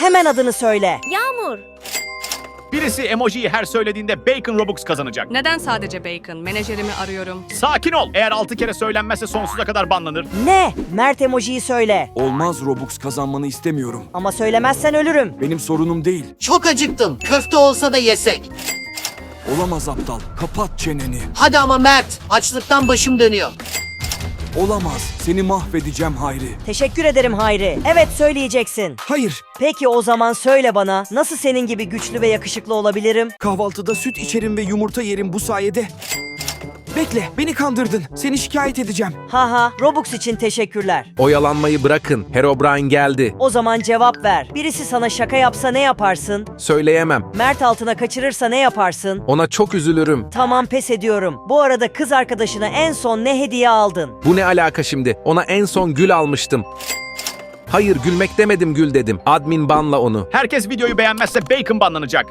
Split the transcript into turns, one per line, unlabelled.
Hemen adını söyle.
Yağmur.
Birisi emojiyi her söylediğinde Bacon Robux kazanacak.
Neden sadece Bacon? Menajerimi arıyorum.
Sakin ol. Eğer 6 kere söylenmezse sonsuza kadar banlanır.
Ne? Mert emojiyi söyle.
Olmaz, Robux kazanmanı istemiyorum.
Ama söylemezsen ölürüm.
Benim sorunum değil.
Çok acıktım. Köfte olsa da yesek.
Olamaz aptal. Kapat çeneni.
Hadi ama Mert. Açlıktan başım dönüyor.
Olamaz. Seni mahvedeceğim Hayri.
Teşekkür ederim Hayri. Evet söyleyeceksin.
Hayır.
Peki o zaman söyle bana, nasıl senin gibi güçlü ve yakışıklı olabilirim?
Kahvaltıda süt içerim ve yumurta yerim bu sayede. Bekle, beni kandırdın. Seni şikayet edeceğim.
Haha, Robux için teşekkürler.
Oyalanmayı bırakın. Herobrine geldi.
O zaman cevap ver. Birisi sana şaka yapsa ne yaparsın?
Söyleyemem.
Mert altına kaçırırsa ne yaparsın?
Ona çok üzülürüm.
Tamam, pes ediyorum. Bu arada kız arkadaşına en son ne hediye aldın?
Bu ne alaka şimdi? Ona en son gül almıştım. Hayır, gülmek demedim, gül dedim. Admin banla onu.
Herkes videoyu beğenmezse Bacon banlanacak.